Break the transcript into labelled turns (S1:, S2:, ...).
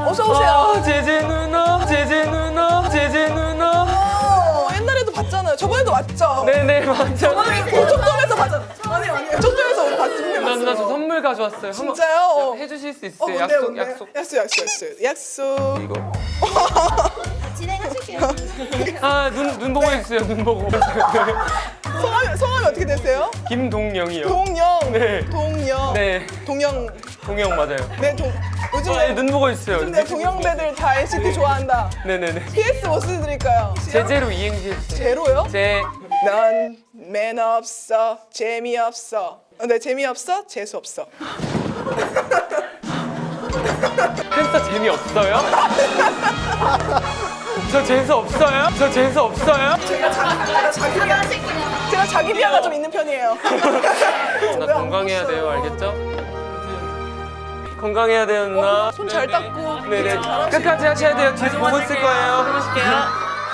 S1: 어서 오세요.
S2: 아, 제제 누나, 제제 누나, 제제 누나.
S1: 옛날에도 봤잖아요. 저번에도 왔죠.
S2: 네네, 맞죠.
S1: 저번에 고척돔에서 봤잖아요. 아니요. 고척돔에서 우리 봤어요.
S2: 누나 저 선물 가져왔어요.
S1: 진짜요?
S2: 해주실 수 있어요?
S1: 뭔데요,
S2: 약속,
S1: 뭔데요?
S2: 약속.
S1: 약속.
S2: 이거.
S3: 진행하실게요.
S2: 아, 눈 보고 해주세요. 눈 보고.
S1: 성함이 어떻게 되세요?
S2: 김동영이요.
S1: 동영.
S2: 네.
S1: 동영.
S2: 네,
S1: 동영.
S2: 동영 맞아요.
S1: 네, 요즘
S2: 아, 눈 보고 해주세요.
S1: 요즘 내 동영배들 다 NCT 좋아한다.
S2: 네네네.
S1: PS 뭐 쓰드릴까요?
S2: 제제로 이행시 해주세요.
S1: 제로요?
S2: 제,
S1: 넌 매너 없어, 재미없어. 네, 재미없어, 재수 없어.
S2: 팬싸 재미없어요? 저 재수 없어요? 저 재수 없어요?
S1: 제가 자기 비하가 좀 있는 편이에요.
S2: 나 건강해야 돼요, 알겠죠? 건강해야 돼요, 누나.
S1: 손 잘 닦고.
S2: 네네.
S1: 잘하시고.
S2: 끝까지 하셔야 돼요. 뒤에서 보고 있을 거예요.
S4: 해보실게요.